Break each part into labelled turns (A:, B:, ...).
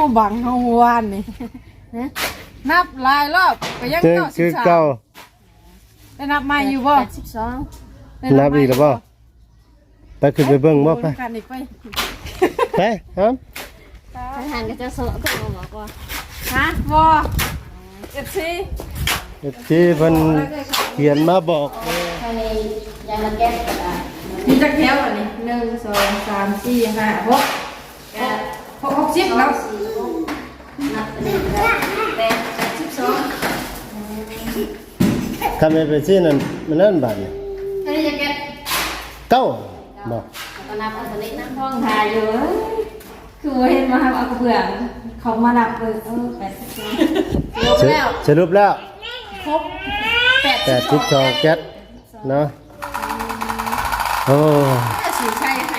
A: บังเฮาวานนี่นับหลายรอบก็ยัง93ได้นับใหม่อยู่บ่82
B: นับอีกแล้วบ่ไปขึ้นไปเบิ่งบ่ไปไปครับ
C: หันก็จะโซ่ก็บอกว่า
A: ฮะบ่FC
B: ที่เพิ่นเขียนมาบอก
C: ภายในยามาแก้กระดาษ
A: มีจักแถวอันนี้1 2 3 4 5 6 60แล้ว
C: นับเป็นแต่12
B: คำเป็นซี่นั่นมันนั่นบาดนี่
C: อันนี้จะแก้
B: เก้าบ่
C: ตอนนับอันนี้นั่งห้องทายอยู่คือเห็นมาเอากระเบื้องเขามานับเลย82
B: สรุปแล้ว
A: ครบ
B: 82แก๊สเนาะโอ้
A: สีใช่ให้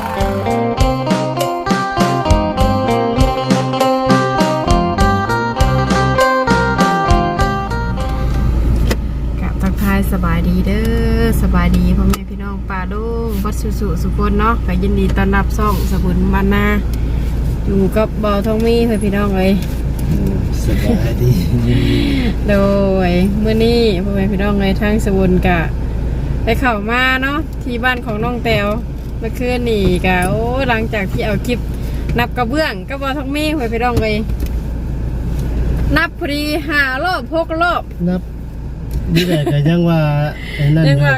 A: กับทักทายสบายดีเด้อสบายดีพ่อแม่พี่น้องป่าดงวัดสุคนเนาะก็ยินดีต้อนรับซ่องสบุญบานนาอยู่กับเบาทองมีเพื่อนพี่น้องเลย
B: สบายดี
A: โดยเมื่อนี้พ่อแม่พี่น้องเลยทั้งสบุญกะไปเข้ามาเนาะที่บ้านของน้องแตวเมื่อคืนนี่กะโอ้หลังจากที่เอาคลิปนับกระเบื้องก็เบาทองมีเพื่อนพี่น้องเลยนับพอดี5 รอบ6 รอบ
B: นับนี่แหละก็ยังว่าไอ้นั่น
A: ยังว่า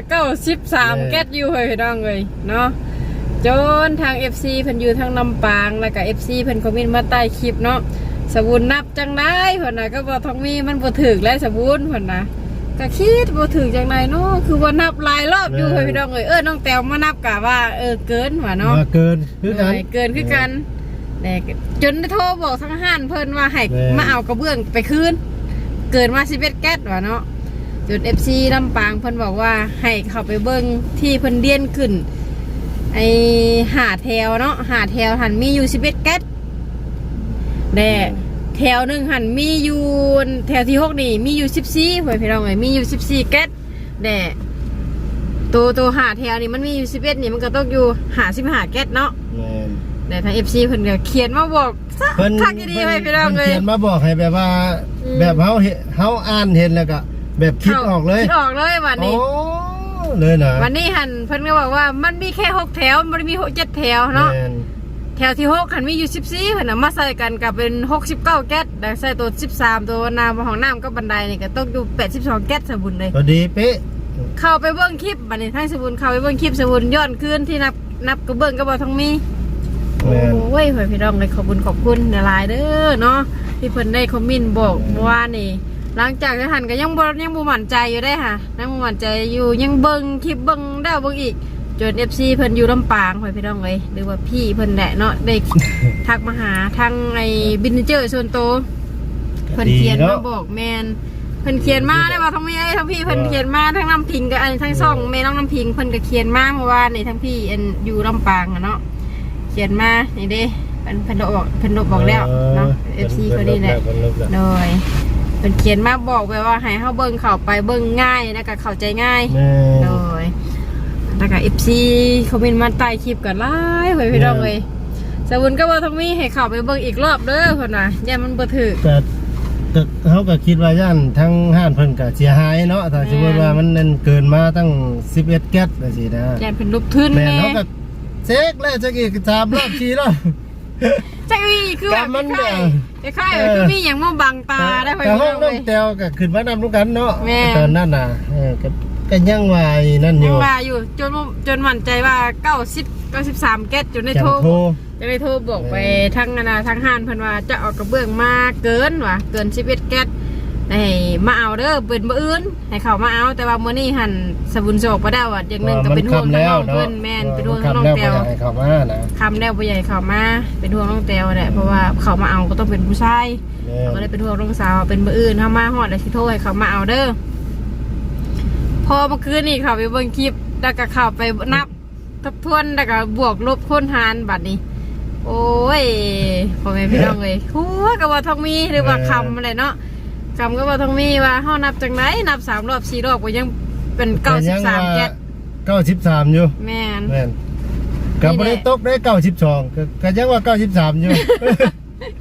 A: 93แก๊สอยู่เพื่อนพี่น้องเลยเนาะจนทาง FC เพิ่นอยู่ทางลำปางแล้วก็ FC เพิ่นคอมเมนต์มาใต้คลิปเนาะสบุญนับจังได้เพิ่นน่ะก็บ่ท้องมีมันบ่ถึกแล้วสบุญเพิ่นน่ะก็คิดบ่ถึกจังไดเนาะคือว่านับหลายรอบอยู่พี่น้องเอ้ยน้องแต้วมานับกะว่าเกินว่าเนาะ
B: เกินคือกัน
A: เกินคือกันแต่จนได้โทรบอกทางห้านเพิ่นว่าให้มาเอากระเบื้องไปคืนเกินมา11แก๊สว่าเนาะจน FC ลำปางเพิ่นบอกว่าให้เข้าไปเบิ่งที่เพิ่นเดียนขึ้นไอ้หาแถวเนาะหาแถวหันมีอยู่11แก๊สแต่แถวหนึ่งหันมีอยู่แถวที่6นี่มีอยู่14เพื่อนพี่น้องเอ้ยมีอยู่14แก๊สแต่ตัวหาแถวนี่มันมีอยู่11นี่มันก็ต้องอยู่55แก๊สเนาะแต่ทาง FC เพิ่นก็เขียนมาบอกทักดีๆให้พี่น้องเอ้ย
B: เขียนมาบอกให้แบบว่าแบบเฮาอ่านเห็นแล้วก็แบบคิดออกเลย
A: คิดออกเลยวันนี้
B: เลยนะ
A: วันนี้หันเพิ่นก็บอกว่ามันมีแค่6แถวมันมี7แถวเนาะแถวที่6หันมีอยู่14เพิ่นน่ะมาใส่กันกับเป็น69แก๊สแต่ใส่ตัว13ตัวน้ำของน้ำก็บันไดนี่ก็ตกอยู่82แก๊สสบุญเลย
B: พอดีเป๊ะ
A: เข้าไปเบิ่งคลิปบัดนี้ทั้งสบุญเข้าไปเบิ่งคลิปสบุญย้อนคืนที่นับกระเบื้องก็บ่ทั้งมีโอ้ยเพิ่นพี่น้องเลยขอบคุณหลายเด้อเนาะที่เพิ่นได้คอมเมนต์บอกว่านี่หลังจากที่หันก็ยังบ่มั่นใจอยู่ได้ค่ะยังบ่มั่นใจอยู่ยังเบิ่งคลิปเบิ่งได้เบิ่งอีกจน FC เพิ่นอยู่ลำปางพี่น้องเลยหรือว่าพี่เพิ่นแหละเนาะได้ทักมาหาทางไอ้บินเจอร์ส่วนโตเพิ่นเขียนมาบอกแมนเพิ่นเขียนมาได้ว่าทั้งพี่ทั้งพี่เพิ่นเขียนมาทั้งน้ำพิงกับทั้งซ่องแม่น้องน้ำพิงเพิ่นก็เขียนมาเมื่อวานนี่ทั้งพี่อยู่ลำปางเนาะเขียนมานี่เด้เพิ่นบอกแล้วเนาะ FC เขาดีแหละโดยเป็นเขียนมาบอกไว้ว่าให้เฮาเบิ่งเข้าไปเบิ่งง่ายนะก็เข้าใจง่ายโดยแล้วก็ FC คอมเมนต์มาใต้คลิปก็หลายเฮ้ยพี่น้องเอ้ยสบุญก็ว่าทั้งมีให้เข้าไปเบิ่งอีกรอบเด้อเพิ่นน่ะย่ามันบ่ถูก
B: แต่เขาก็คิดว่าย่านทั้งห้านเพิ่นก็เสียหายเนาะถ้าสมมุติว่ามันนั่นเกินมาตั้ง11แก๊สจังซี่นะ
A: ย่านเพิ่นลุกทึน
B: แม่เฮาก็เช็คแล้วจักอีก3รอบ4รอบ
A: จักอีคือแบบมันคล้ายๆคือมีหยังมาบังตาได้เพิ่นเอ้ย
B: แต้วก็ขึ้นมานำกันเนาะตอนนั้นน่ะก็ยังว่านั่นอยู่
A: ยังว่าอยู่จนมั่นใจว่า93แก๊สจนได้โทรบอกไปทั้งทั้งห้านเพิ่นว่าจะเอากระเบื้องมาเกินว่ะเกิน11แก๊สให้มาเอาเด้อเป็นมื้ออื่นให้เขามาเอาแต่ว่ามื้อนี้หั่นสบุญโศกบ่ได้ว่าอย่างนึงก็เป็นห่วงน้องเพิ่นแม่นเป็นห่วงน้องแต้ว
B: เขามานะ
A: คำแล้วบ่ใหญ่เขามาเป็นห่วงน้องแต้วแหละเพราะว่าเขามาเอาก็ต้องเป็นผู้ชายก็เลยเป็นห่วงน้องสาวเป็นมื้ออื่นเฮามาฮอดแล้วสิโทรให้เขามาเอาเด้อพอเมื่อคืนนี่เขาไปเบิ่งคลิปแล้วก็เข้าไปนับทบทวนแล้วก็บวกลบคูณหารบัดนี้โอ้ยพ่อแม่พี่น้องเอ้ยหัวก็ว่าต้องมีหรือว่าคำอะไรเนาะคำก็ว่าต้องมีว่าเฮานับจังไหนนับ3รอบ4รอบก็ยังเป็น93แก๊ส
B: 93อยู่
A: แม่น
B: ก็บ่ได้ตกได้92ก็ยังว่า93อยู่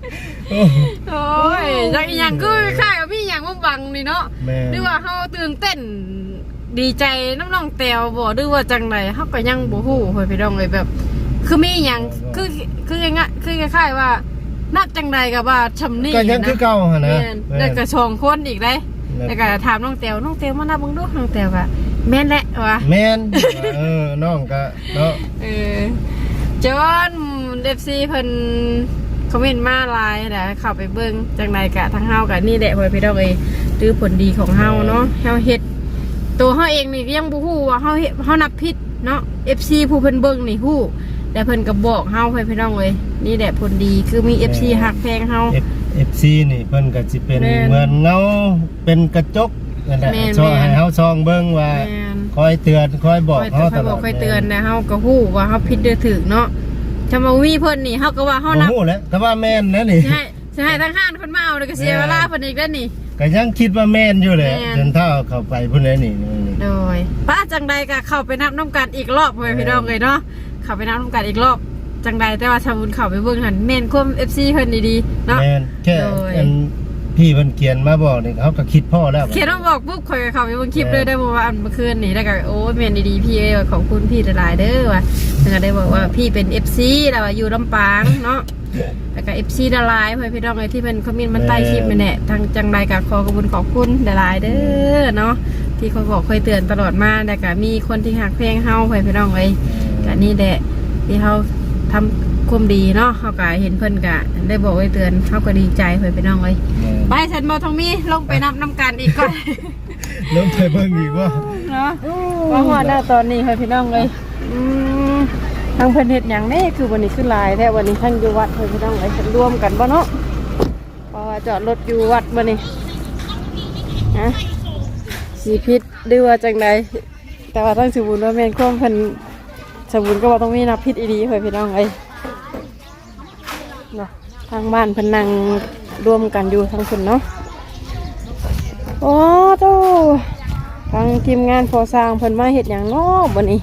A: โอ้ยจักอีหยังคือค่ายมีหยังบ่บังนี่เนาะ
B: แม่
A: หรือว่าเฮาตื่นเต้นดีใจน้ำน้องแตวบ่หรือว่าจังไดเฮาก็ยังบ่ฮู้เฮ้ยพี่น้องเอ้ยแบบ คือมีหยังคือง่ายๆคือคล้ายๆว่านับจังใดก็ว่าชำนี่
B: ก็ยังคือเก่าหั่นนะ
A: แม่นแล้วก็สองคนอีกได้แล้วก็ถามน้องแตวมานับเบิ่งดูน้องแตวก็แม่นแหละว่า
B: แม่นน้องก็เนาะ
A: จน FC เพิ่นคอมเมนต์มาหลายนะเข้าไปเบิ่งจังใดก็ทั้งเฮาก็นี่แหละเฮ้ยพี่น้องเอ้ยถือผลดีของเฮาเนาะเฮาเฮ็ดตัวเฮาเองนี่ก็ยังบ่ฮู้ว่าเฮานับผิดเนาะ FC ผู้เพิ่นเบิ่งนี่ฮู้แต่เพิ่นก็บอกเฮาให้พี่น้องเลยนี่แหละผลดีคือมี FC ฮักแพงเฮา
B: FC นี่เพิ่นก็สิเป็น
A: แม่น
B: เหมือนเงาเป็นกระจกนั่นแหละ
A: แม่น
B: ช่วยให้เฮาซองเบิ่งว่า
A: แม่น
B: คอยเตือนคอยบอก
A: คอย
B: เฮาต
A: บ
B: ล
A: อ
B: อก ด
A: คอยเตือนนะเฮาก็ฮู้ว่าเฮาผิดหรือถูกเนาะถ้ามามีเพิ่นนี่เฮาก็ว่าเฮานับ
B: โอ้โหแล้วแต่ว่าแม่นนะนี่
A: สิให้ทั้งห้านเพิ่นมาเอาแล้วก็เสียเวลาเพิ่นอีกแล้วนี่
B: ก็ยังคิดว่าแม่นอยู่แหละ
A: แม่น
B: จนเท่าเข้าไปพุ่นแล้วนี่
A: โดยป้าจังใดก็เข้าไปนับน้ำกันอีกรอบเว้ยพี่น้องเลยเนาะเข้าไปนับน้ำกันอีกรอบจังใดแต่ว่าชาวบุญเข้าไปเบิ่งหันแม่นควม FC เพิ่นดีๆเนาะ
B: แม่นแค่
A: โดย
B: อันพี่เพิ่นเขียนมาบอกนี่เขาก็คิดพ่อแล้ว
A: เขียนมาบอกปุ๊บข่อยก็เข้าไปเบิ่งคลิปเลยได้เมื่อคืนนี่แล้วก็โอ้ยแม่นดีๆพี่เอ้ยว่าขอบคุณพี่หลายๆเด้อว่ะแล้วก็ได้บอกว่าพี่เป็น FC แล้วว่าอยู่ลำปางเนาะแล้วก็ FC ดารายเพื่อนพี่น้องเลยที่เป็นคอมเมนต์มันใต้คลิปนี่แหละทางจังใดก็ขอบคุณขอบคุณหลายๆเด้อเนาะที่คอยบอกคอยเตือนตลอดมาแล้วก็มีคนที่หักเพลงเฮาเพื่อนพี่น้องเลยก็นี่แหละที่เฮาทำความดีเนาะเฮาก็เห็นเพิ่นก็ได้บอกไว้เตือนเฮาก็ดีใจเพื่อนพี่น้องเลยไปฉันบ่ทองมีลงไปนับน้ำกันอีกก่อน
B: ลงไปเบิ่งอีกว่า
A: เนาะว่าหัวหน้าตอนนี้เพื่อนพี่น้องเลยทางเพิ่นเฮ็ดหยังแน่คือวันนี้คือหลายแท้วันนี้ทั้งอยู่วัดเพื่อนพี่น้องเลยฉันรวมกันบ่เนาะเพราะว่าจอดรถอยู่วัดบ่นี่ฮะสีพิษหรือว่าจังใดแต่ว่าต้องสมบูรณ์ว่าแม่นความเพิ่นสมบูรณ์ก็บ่ต้องมีนับพิษอีดีเพื่อนพี่น้องเอ้ยเนาะทางบ้านเพิ่นนั่งรวมกันอยู่ทั้งคนเนาะโอ้โตทางทีมงานพอสร้างเพิ่นมาเฮ็ดหยังเนาะบ่นี่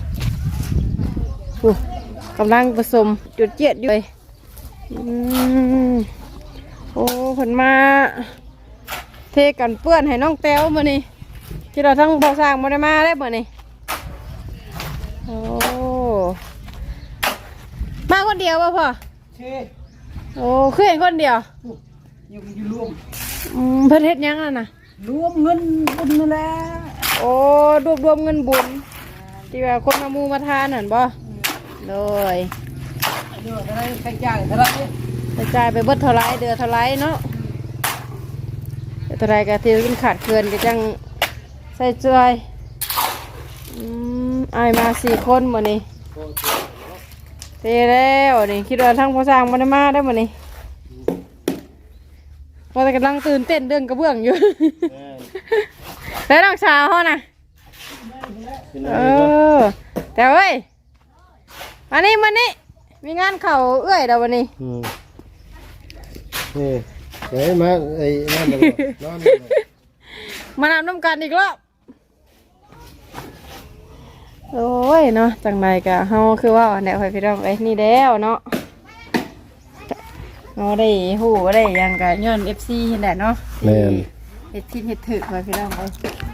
A: กำลังผสมจุดเจ็ดอยู่เลยโอ้เพิ่นมาเทกันเปื้อนให้น้องแต้วมื้อนี้ที่เราทั้งพอสร้างบ่ได้มาได้มื้อนี้โอ้มาคนเดียวป่ะพ่อโอ้คือเห็นคนเดียวยังอยู่รวมเพิ่นเฮ็ดหยังอ่ะนะรวมเงินบุญนั่นแหละโอ้รวมเงินบุญที่ว่าคนมามูมาทานนั่นบ่เลยเดือดอะไรกระจายเท่าไรกระจายไปเบิดเท่าไรเดือดเท่าไรเนาะเท่าไรก็ที่กินขาดเกินก็จังใส่ใจอายมา4 คนหมดนี่เทแล้วนี่คิดว่าทั้งพอสร้างมันมาได้หมดนี่พอแต่กำลังตื่นเต้นเรื่องกระเบื้องอยู่ แล้วน้องสาวเขาน่ะแต่เว้ยมานี่มีงานเข่าเอื้อยเดี๋ยววันนี้
B: นี่เดี๋ยวมาไอ้นั่นเดี๋ยวนอน
A: มานำน้ำกันอีกรอบโอ้ยเนาะจังไรกะเฮาคือว่าแนวไปพี่น้องไอ้นี่แล้วเนาะเราได้หูได้ยังกะย้อน FC เห็นแหละเนาะ
B: แม่น
A: เฮ็ดทิศเฮ็ดถึกไปพี่น้องไป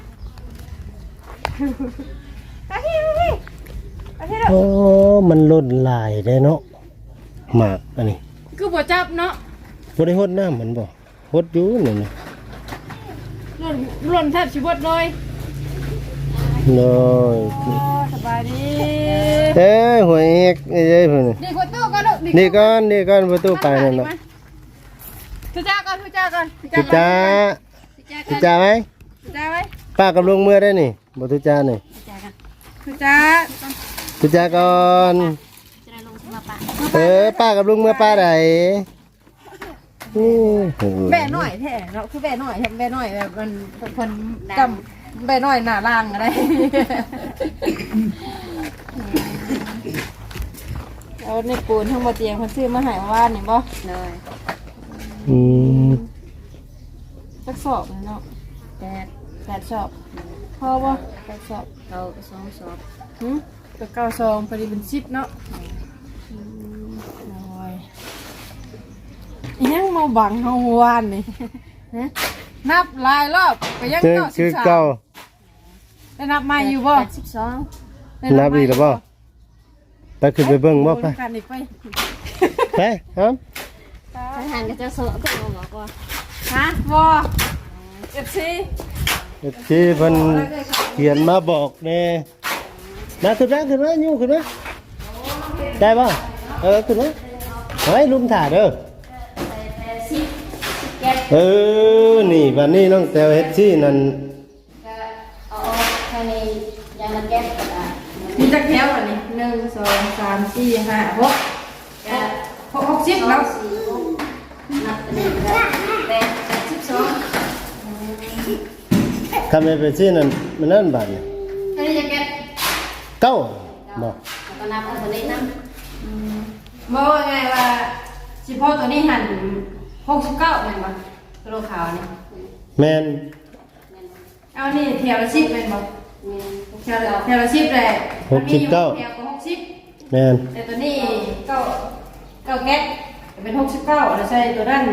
B: โอ้มันล้นลายได้เนาะหมากอันนี้
A: คือบ่จับเนาะ
B: บ่ได้หดน้ำมันบ่หดอยู่นี่นะ
A: หล่นแทบสิเบิดเลย
B: น้อย
A: สบายดี
B: เอ้ยหัวเอกเอ้ยเพิ่น
A: นี่ประตูก่อนลูก
B: นี่ก่อนประตูไปนั่นน่ะ
A: ทุจ้าก่อน
B: สิจ้าไหม
A: ทุจ้าไว้
B: ป้ากับลุงเมื่อได้นี่บ่ทุจ้านี่
A: ทุจ้า
B: ทุจ้าก่อนป้ากับลุงเมื่อป้าใดนี่
A: แบ่หน่อยแท้เนาะคือแบ่หน่อยแบ่หน่อยแบบมันคนจำแบ่หน่อยหน้าล่างอะไรเอาในปูนทั้งหมดเตียงคนซื้อมาให้ว่านี่บ่เลย สักสอบเนาะ8 สอบพอบ่8 สอบเรา2 สอบก็9 ซองพอดีเป็น10เนาะน้อยยังมาบังเฮาวานนี่นับหลายรอบก็ยัง
B: คือเก่า
A: 93ได้นับใหม่อยู่บ่
C: 82
B: นับอีกแล้วบ่ไปขึ้นไปเบิ่งบ่ไป
A: กันอีกไป
B: ไปครับ
C: ทหารก็จะโซะก็บอกว่า
A: ฮะบ่ FC
B: ที่เพิ่นเขียนมาบอกแน่มาขึ้นมาอยู่ขึ้นมาได้ป่ะขึ้นมาเฮ้ยลุมถ่าเด้อ
C: แก๊ส
B: นี่วันนี้น้องแต้วเฮ็ดซี่นั่น
C: ก็เอาภายในยางมาแก๊สก็ได้
A: มีจักแถวอันนี้1 2 3 4 5 6 60แล้ว
C: นับเป็น12
B: คำเป็นซี่นั่นมันนั่นบาดนี่
C: อันนี้จะแก๊ส
B: เก้าบ่
C: แล้วก็นับอันนี้นะ
A: บ่ว่าไงว่าสิพ่อตัวนี้หัน69แม่นบ่ตัวโลขาวนี่
B: แม่น
A: เอานี่แถวละ10แม่นบ่แถวละ10แหละแถวก็60
B: แม่น
A: แต่ตัวนี้เก้าแก๊สเป็น69แล้วใส่ตัวนั้น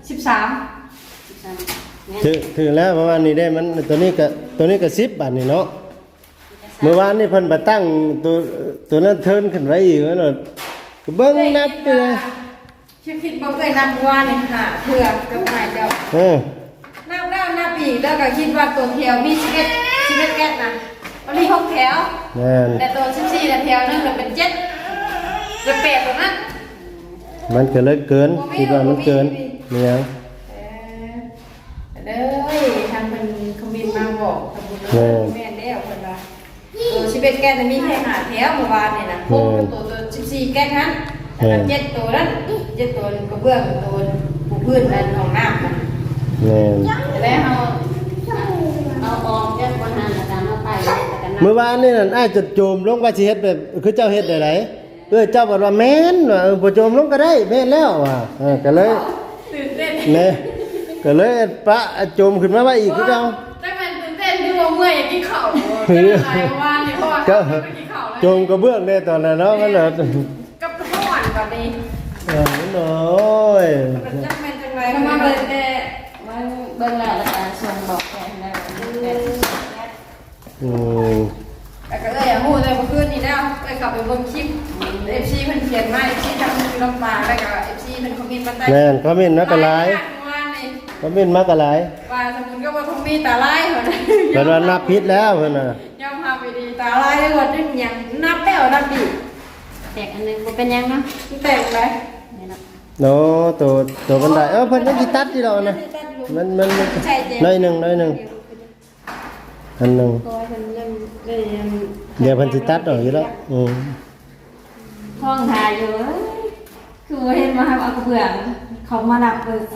A: 13
B: ถึงแล้วเพราะว่านี่ได้มันตัวนี้ก็10บาทนี่เนาะเมื่อวานนี่เพิ่นมาตั้งตัวนั้นเทิร์นขึ้นไว้อีกว่าเนาะเบิ่งนับไปเลย
A: ชื่อคิดบ่เคยนับว่านี่ค่ะเพื่อกับนายเจ้า นับแล้วนับอีกแล้วก็คิดว่าตัวแถวมี11แก๊สนะมันมี6แถว
B: แม่น
A: แต่ตัว14แถวนึงเป็น7จะ8ตัวนั้น
B: มันก็เลยเกินคิดว่ามันเกินเนี่ย
A: เด้อทางมันคอมเมนต์มาบอกทำบุญแม่แล้วเพิ่นว่าตัว11แก๊สมีแค่5แถวเมื่อวานนี่นะตัว14แก๊สนั้นแล้วก็7ตัวนั้น7ตัวกระเบื้องตัวปูพื้นและห้องน้ำ
B: แม่น
C: แล้วเอาออกจากบนหันแล้วก็มาไปแล้วก็นับ
B: เมื่อวานนี่นั่นอ้ายจะโจมลงว่าสิเฮ็ดแบบคือเจ้าเฮ็ดได้ไดเจ้าบอกว่าแม่นว่าบ่โจมลงก็ได้แม่นแล้วว่ะก็เลย
A: ตื่นเต้น
B: แม่ก็เลยปะโจมขึ้นมาว่าอีกคือเจ้า
A: แต่มันตื่นเต้นที่ว่าเมื่อยกินข้าวจะหลายวันนี่เพราะว่า
B: ก็
A: ไปกินข้าว
B: โจมกระเบื้องได้ตอนนั้นเนาะมันเนาะ
A: กับข้าวหวานแบบนี้
B: โอ้ย
A: มันจะเป็นจังไร
C: มา
A: มา
C: เบิ่
A: เบิ่
C: ง
A: ง
C: แต่มันเบิ่งแล้วก็ส่งบอกแทนแล้วแก๊ส
B: อืม
A: แต่ก็เลยหูเลยเมื่อคืนนี้แล้วไปขับไปเบิ่งคลิปFC เพิ่นเขียนมาที่ทางลำปางแล้วก็ FC เพิ่นคอมเมนต์มาใต้
B: แม่นคอมเมนต์มาก็หลาย
A: ว่านี่
B: คอมเมนต์มาก็หลาย
A: ว่าสมมุติก็ว่าคงมีตาลายเหรอ
B: เพิ่นว่านับผิดแล้วเพิ่นน่ะ
A: ยอมพาไปดีตาลายได้หมดได้หยังนับแล้วนับอีก
C: แตกอันนึงบ่เป็นยังเนาะ
A: แตกเลย
C: นี่เนาะ
B: โน้ตัวบันไดเพิ่นยังสิตัดอยู่ดอกนะมันน้อยหนึงอันหนึง
A: ตัวฉันยังได้ยัง
B: เดี๋ยวเพิ่นสิตัดออกอยู่แล้วม
C: ห้องถ่ายอยู่คือว่าเห็นมาเอากระเบื้องเขามานับเบิ่ง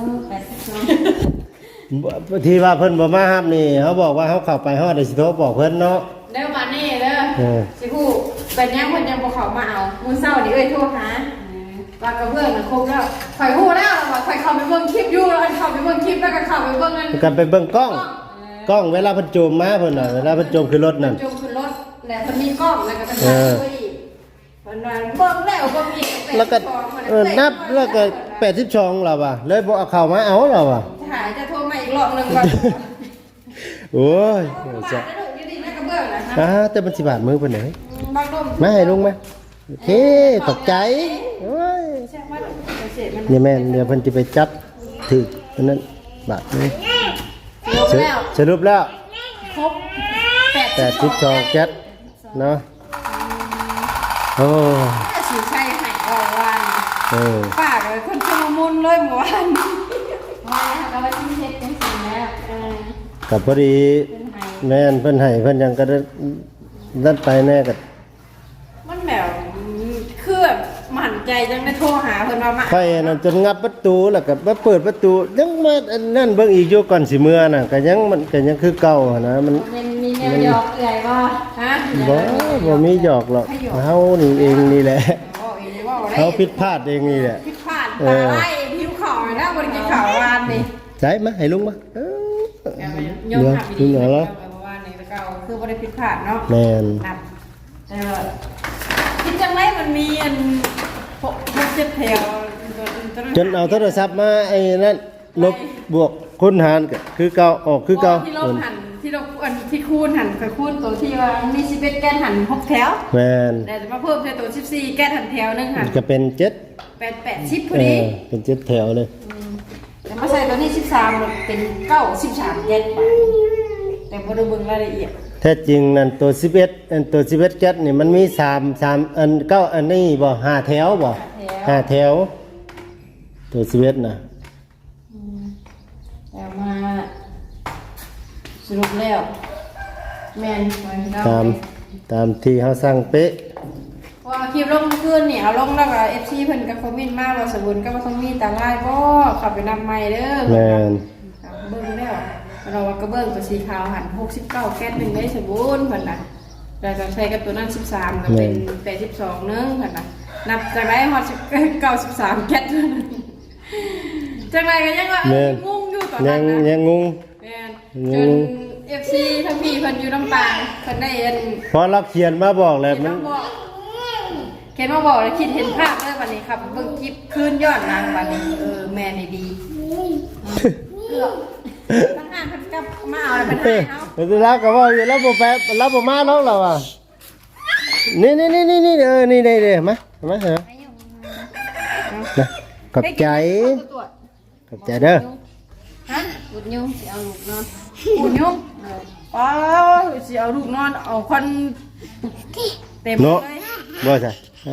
C: 82
B: ที่ว่าเพิ่นบ่มาฮับนี่เขาบอกว่าเขาเข้าไปฮอดได้สิโทรบอกเพิ่นเนาะ
A: เด้อมานี่เด้อสิฮู้เป็นยังเพิ่นยังบ่เข้ามาเอามื้อเช้านี่เอ้ยโทรหาว่ากระเบื้องน่ะครบแล้วข่อยฮู้แล้วว่าข่อยเข้าไปเบิ่งคลิปอยู่แล้วเข้าไปเบิ่งคลิปแล้วก็เข้าไปเบิ่งนั่น
B: กันไปเบิ่งกล้องเวลาเพิ่นโจมมาเพิ่นน่ะเวลาเพิ่นโจมขึ้นรถนั่น
A: จงขึ้นรถแล้วเพิ่นมีกล้องแล้วก็เป็นถ่ายด้วยอีกเพิ่นว่าเบิ่งแล้วเบิ่งอีก
B: แล้วก็นับแล้วก็82แล้วว่ะเลยบ่เอาเข้ามาเอาแล้วว่ะ
A: ถ่ายจะโทรมาอีกรอบนึงก่อน
B: โอ้ย
A: บา
B: จะ
A: ทได้ลูกอยู่ดีแม่กระเบื้องนะฮะ
B: แต่มันสิบาทมือเพิ่นเด้
A: บางลม
B: มาให้ลุงมาโอเคขอบใจโอ้ย
A: ใช่ว่าเสร็จมัน
B: นี่แม่นเดี๋ยวเพิ่นสิไปจับถึกอันนั้นบาทนึง
A: ลงแล้ว
B: สรุปแล้ว
A: ครบ
B: 82แก๊สเนาะโอ้
A: สีชัยหายออกวัน ปากเลยคนชมมุนเลยหมู่บ้าน
C: ว่าแล้วก็ว่าที่เฮ็ดจังซี่แล้ว
B: กับพอดี
C: เป็นไห้
B: แม่นเพิ่นให้เพิ่นยังก็ได้นัดไปแน่กับ
A: มันแบบคือแบบหมั่นใจจังได้โทรหาเพิ่นว่ามา
B: ไฟนั่นจนงับประตูแล้วก็มาเปิดประตูยังมาอันนั่นเบิ่งอีกอยู่ก่อนสิเมื่อน่ะก็ยังมันก็ยังคือเก่าอะนะมัน
C: มันมีแนวหยอกเอื่อยบ่
A: ฮะ
B: บ่มีหยอกหรอกเฮานี่เองนี่แหละ
A: บอกอีกว่าได้
B: เฮาผิดพลาดเองนี่แหละ
A: ผิดพลาดตาไล่ผิวขาวนะบ่ได้กินข้าววานนี่
B: ใส่มาให้ลุงมา
A: ย
B: เ
A: อม
B: เดี๋ยว
A: ทำ
B: ลุ
A: ดี
B: งเอา
A: แล้
B: ละ
A: ววานนี่แล้วก็คือบ่ได้ผิดพลาดเนาะ
B: แม่น
A: นับคิดจังไรมันมีอันพวกเจ็บแถว
B: จนเอาโทรศัพท์มาไอ้นั่นลบบวกคูณหารก็คือเก่าออกคือเก่า
A: ที่ลบหันที่ลบอันที่คูณหันกับคูณตัวที่ว่ามี11แก้นหัน6แถว
B: แม่น
A: แต่มาเพิ่มใส่ตัว14แก้นหันแถวนึงหัน
B: ก็เป็น7
A: 8 10พอดี
B: เป็น7แถวเลย
A: แต่มาใส่ตัวนี้13มันเป็น13แก้นไปแต่บ่ได้เบิ่งรายละเอียด
B: แท้จริงนั่นตัว11อันตัว11แก๊สนี่มันมี3อัน9อันนี้บ่5แถวบ่5แถวตัว11น่ะ
A: แต่มาสรุปแล้วแม่นไว้เนาะ
B: ตามที่เฮาสั่งเป๊ะ
A: ว่าคลิปลงเมื่อคืนนี่เอาลงแล้วก็ FC เพิ่นก็คอมเมนต์มาว่าสบุญก็บ่ต้องมีตาลายบ่ขับไปนำใหม่เด้อ
B: แม่น
A: เบิ่งแล้วเราว่ากระเบื้องตัวสีขาวหัน69แก๊สนึงได้สบุญเพิ่นน่ะแล้วก็ใช้กับตัวนั้น13ก็เป็น82นึงเพิ่นน่ะนับจากได้ฮอด93แก๊สจังไดก็ยังว่าเอ้ยงงอยู่ตอนนั้นนะ
B: ยังงง
A: แม่นจน FC ทั้งพี่เพิ่นอยู่ลำปางเพิ่นได้เห็น
B: พอเราเขียนมาบอกแล้วมัน
A: เขียนมาบอกแล้วคิดเห็นภาพเลยวันนี้ครับเบิ่งคลิปคืนยอดนางวันนี้แม่นี่ดีเกือบทั้งงานเพิ่นกลับมาเอาแล้วเพิ่นให้เนาะ
B: เดี๋ยวเราก็ว่าอยู่แล้วบ่แปะเราบ่มาน้องเราอ่ะนี่นี่เด้มาเหรอนะขอบใจขอบใจเด้อ
A: ฮะอุดยุ่งสิเอาลูกนอนอุดยุ่งป้าสิเอาลูกนอนเอาคนเต็มเล
B: เนาะ
A: ย
B: บ่ใช่เอา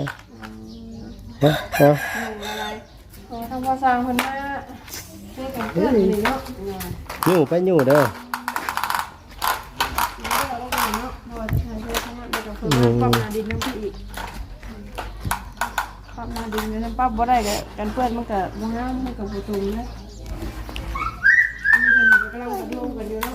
A: อะไรทำภาษาคนมาช่วยกันเพื่อนนี่เนาะ
B: อยู่ไปอยู่เด้อ
A: ปั๊มนาดินน้ำพี่อีกปั๊มนาดินน้ำปั๊บบ่ได้กันเพื่อนมันก็บ่ห้ามมันก็บ่ตุ่มนะนี่เพิ่นกำลังลงกันอยู่เนาะ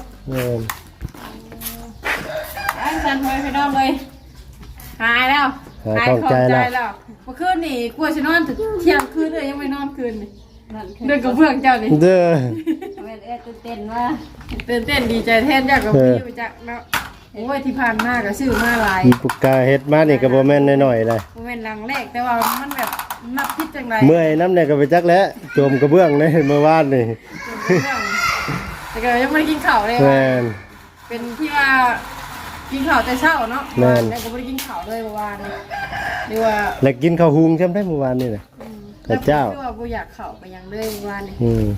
A: อันสันไว้พี่น้องเลยหายแล้วหายของใจแล้วเมื่อคืนนี่กลัวจะนอนถึงเที่ยงคืนเลยยังไม่นอนคืนนี่เดินกับเพื่อนเจ้านี่
B: เด้อ
C: เวทตื่นเต้นว่า
A: ตื่นเต้นดีใจแทนอยากกับพี่ไปจักเนาะโอ้ยที่ผ่านมาก็ซื้อมาหลาย
B: มีปุกกาเฮ็ดมานี่ก็บ่แม่นน้อยๆเลย
A: โมเมนต์หลังแรกแต่ว่ามันแบบนับพิษจังไร
B: เมื่อยน้ำเนี่ยก็ไปจักแล้วโจมกระเบื้องในเมื่อวานนี่
A: แต่ก็ยังไม่ได้กินข้าวเลย
B: แม่น
A: เป็นที่ว่ากินข้าวแต่เช้าเนาะ
B: แม่น
A: แต่ก็ไม่ได้กินข้าวเลยเมื่อวานนี่หรือว่า
B: แล้วกินข้าวหุงใช่ไหมเมื่อวานนี่น่ะข้าวเจ้า
A: แต่ว่าบ่อยากข้าวไปยังเลยเมื่อวานนี่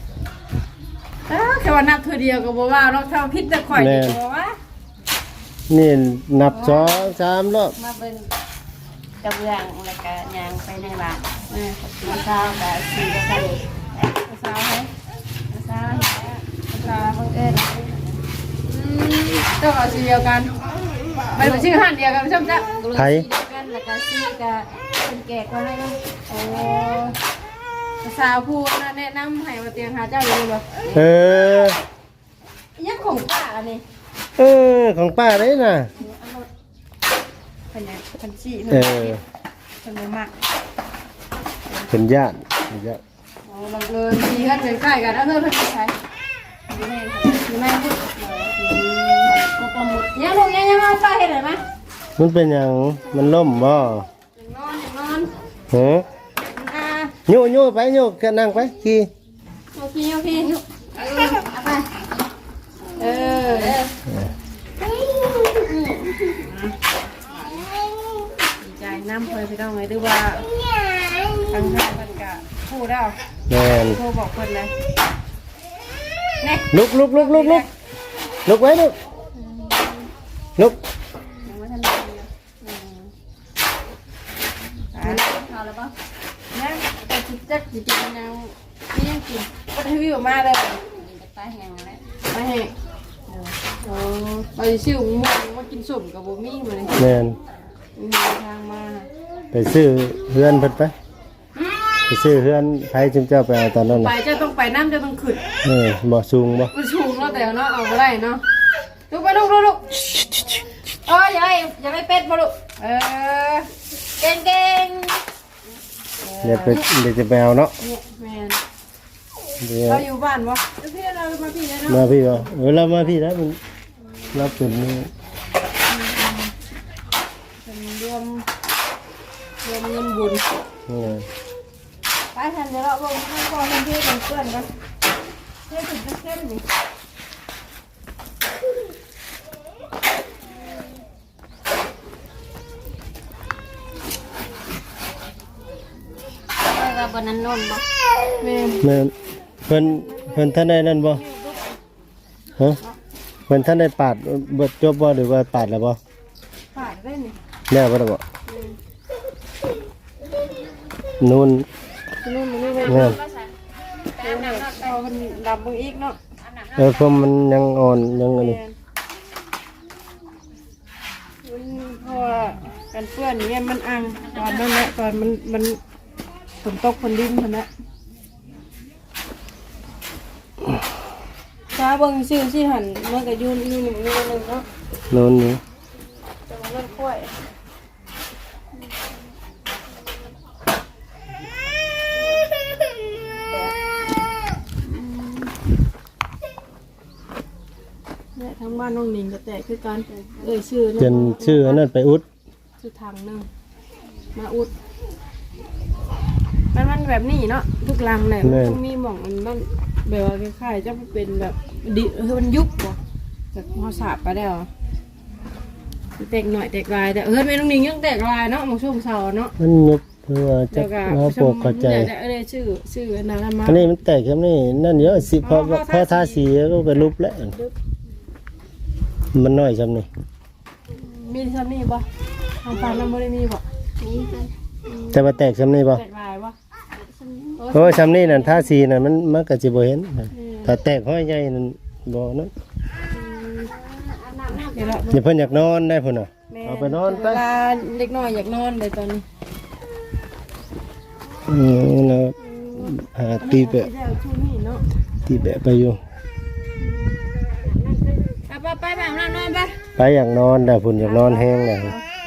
A: แค่ว่านับเธอเดียวก็บอกว่าเราเท่าพิษจะข่อยดีกว่าว่า
B: นี่นับ2 3รอบ
C: มาเป็นกระเบื้องแล้วก็ยางไปในบ้านมาเช้ากับสีกระสัน
A: สาวไหม
C: เช้าเช้าบังเอิญ
A: เจ้าเอาสีเดียวกันไปเป็นชื่อหันเดียวกันใช่ไหมจ๊ะ
B: ไผ
C: กันแล้วก็สีกับเป็นแก่ก็ให้
A: โอ้สาวพูดนะแนะนำให้มาเตียงหาเจ้าอยู่บ่
B: เออ
A: ยังของป้าอันนี้
B: ของป้าได้น่ะ
A: เป็นยังเป็นสี
B: เออ
A: เป็นมาก
B: เป็นญาติ
A: โอ้บังเอิญสีกันใกล้ๆกันแล้วเธอเป็นใครอยู่ในพูด
C: ก็ประมุดยังลูกยังมาป้าเห็นไหม
B: มันเป็นหยังมันล่มบ่
A: อย่างนอน
B: ฮะ
A: อ่า
B: โยไปโยก็นั่งไปขี่
A: โอเคเอาไปเออดีใจน้ำเพยพี่น้องเลยดูว่าทางท่านมันกะพูดแล้ว
B: แม่น
A: โทรบอกคนเลยเนี่ย
B: ลุกไว้ลุก
A: ยังไม่ทันได้เลยพอแล้วป่ะเนี่ยแต่จิตจักจิตยังนี่ยังกินก็ทวิวมาเลย
C: ป้าแห้งแล้ว
A: มาให้ไปซื้อหมูมากินสุ่มกับบุมี่มาเลย
B: แม่น
A: มีทางมา
B: ไปซื้อเฮือนเพิ่นไปซื้อเฮือนไผจึงเจ้าไปเอาตอนนั้น
A: ไป
B: น่ะ
A: จะต้องไปน้ำจะต้องขึ้น
B: บ่สูงบ่
A: มันชูงเนาะแต่เนาะเอาไปได้เนาะลูกไปลูกอย่าให้เป็ดมาลูกเก่ง
B: เดี๋ยวจะไปเอาเนาะ
A: เนี่ยแมน
B: เดี๋ยว
A: เราอยู่บ้านวะพี่เรามาพี่เลยเนาะ
B: มาพี่บ่เรามาพี่แล้วมันรับเป็นนี่
A: เป็นรวมเงินบุญ
B: นี่
A: ไปไปทันเดี๋ยวเราลงให้พอทันที่เป็นเพื่อนกันเพื่อนถึงจะเข้มนี่
C: ว่าบนนั้นนนบ่
A: แม่
B: แม่นเพิ่นท่านได้นั่นบ่ฮะเพิ่นท่านได้ปาดเบิดจบบ่หรือว่าปาดแล้วบ่
A: ผ่านได้นี่
B: แล้วบ่ได้บ่นู่น
A: นู่นนี่เลย
B: แม่น
A: เอามันดำมึงอีกเนาะ
B: เพราะมันยังอ่อนยังอันนี้
A: มันเพราะว่ากันเปื้อนเนี่ยมันอังตอนนั้นแหละตอนมันฝนตกฝนดินคนละฟ้าเบิ่งชื่อที่หันมันก็ยืนอยู่นี่นึงเนาะ
B: นู่นนี่
A: แต่ว่ามันกล้วยเนี่ยทั้งบ้านน้องหนิงก็แตกคือกันชื่อ
B: จนชื่ออันนั้นไปอุด
A: ชื่อทางหนึงมาอุดมันแบบนี้เนาะทุกลังเนี่ยมันต้องมีหม่องมันแบบว่าคล้ายๆจะเป็นแบบดิมันยุบบ่จากพอสาบไปแล้วแตกหน่อยแตกลายแต่ไม่น้องหนิงยังแตกลายเนาะมองช่วงเสาเนาะ
B: มันยุบเพื่อจะมาปกเข้าใจ
A: ชื่อนารามา
B: อันนี้มันแตกแค่นี้นั่นเยอะสิเพราะทาสีก็ไปรูปแล้วมันน้อยซำนี่
A: มีซ้ำนี่บ่ทางฝั่งนั้นบ่ได้มีบ่
C: นี่กัน
B: แต่ว่าแตกซำนี่บ่
A: แตกลายบ่
B: เพราะว่าซำนี่นั่นทาสีนั่นมันก็สิบ่เห็นถ้าแตกห้อยใหญ่นั่นบ่นั่น
A: เดี๋ยวเรา
B: อย่าเพิ่นอยากนอนได้พุ่นน่ะเอาไปนอนไป
A: เวลาเด็กน้อยอยากนอนเลยตอนนี้
B: แล้วตีแบะ
A: แล้วช่วงนี้เนาะ
B: ตีแบะไปอยู่
A: ไปแบบนั้นนอนไป
B: ไปอยากนอนได้พุ่นอยากนอนแห้งได้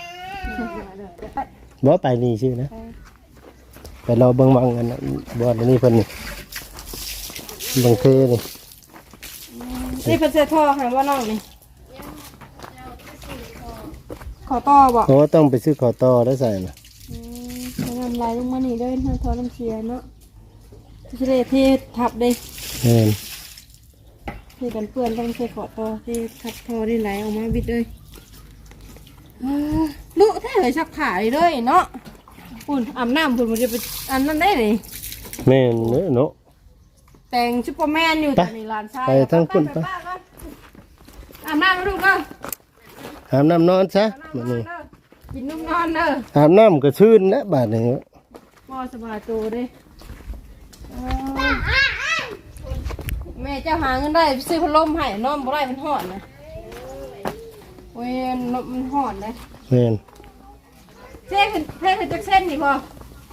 B: บ่ไปนี่ชื่อนะไปรอเบิ่งวังกันนะบ่อันนี้เพิ่นนี่บางเทนี่
A: นี่เพิ่นใส่ท่อค่ะว่าน้องนี่ขอต่อบ่
B: โอ้ต้องไปซื้อขอต่อแล้วใส่น่ะ
A: น้ำลายลงมานี่เลยท่อน้ำเชียเนาะที่ได้เททับเลย
B: แม่น
A: ที่กันเปื้อนต้องใส่ขอต่อที่ทับท่อนี่ไหลออกมาบิดเลยลุแท้เลยชักขาเลยเนาะปุ่นอาบน้ำปุ่นมันจะไปอันนั้นได้เลย
B: แม่นเนาะ
A: แต่งซุปเปอร์แมนอยู่ตอนนี้ลานชาย
B: ไปทั้งปุ่นไป
A: อาบน้ำมาดูก็
B: อาบน้ำนอนซะบัดนี้
A: กินนุ่มนอนเด้อ
B: อาบน้ำก็ชื่นนะบาดนี้
A: พ่อสบายตัวเด้แม่เจ้าหาเงินได้ซื้อพัดลมให้นอนบ่ได้มันหอนนะโอ้ยมันหอนเลย
B: แม่น
A: เส้นขึ้นจากเส้นนี่พอ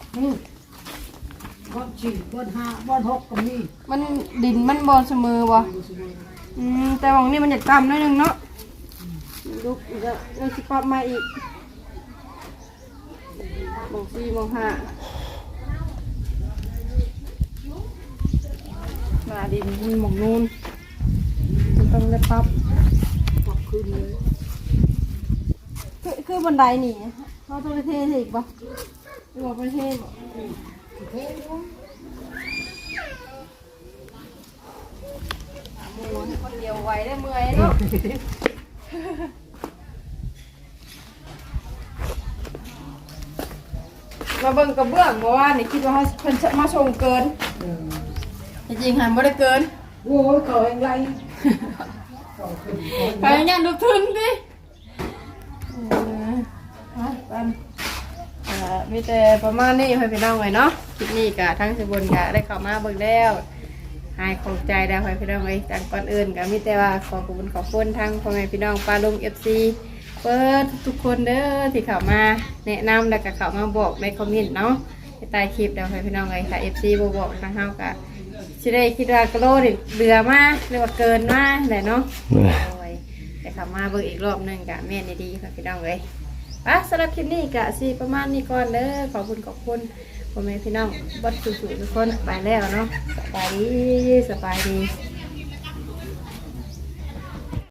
D: บ้านสี่บ้านห้าบ้านหกก็มี
A: มันดินมันบอลเสมอบ่แต่วังนี้มันอยากต่ำหนิดนึงเนาะลูกอีกแล้วยังสิปรับมาอีกมอง4มอง5มาดินมันหมองนูนมันต้องได้ปรับ
D: ปรับขึ้นเลย
A: คือบันไดนี่เขาต้องไปเทอีกปะหรือว่าไปเทบ่คนเดียวไหวได้เมื่อยเนาะ มาเบิ่งกระเบื้องเพราะว่านี่คิดว่าเขาเพิ่นจะมาส่งเกินจริงๆหันบ่ได้เกิน
D: โอ้ยเขาเองไร
A: ไปงานดูทุนดิมีแต่ประมาณนี้ให้พี่น้องไว้เนาะคลิปนี้กะทั้งสิบนกะได้เข้ามาเบิ่งแล้วหายของใจได้ให้พี่น้องไว้แต่ก่อนอื่นกะมีแต่ว่าขอบคุณทางพ่อแม่พี่น้องปลาลุง FC เปิดทุกคนเด้อที่เข้ามาแนะนำแล้วก็เข้ามาบอกในคอมเมนต์เนาะในใต้คลิปเดี๋ยวให้พี่น้องไว้ค่ะ FC บ่บอกทางเฮากะสิได้คิดว่ากะโลนี่เรือมาหรือว่าเกินมาได้เนาะ แต่ขับมาเบิ่งอีกรอบหนึงกะแม่นดีๆค่ะพี่น้องเลยสำหรับคลิปนี้กะสิประมาณนี้ก่อนเด้อขอบคุณพ่อแม่พี่น้องบัดสุๆทุกคนไปแล้วเนาะสบายดี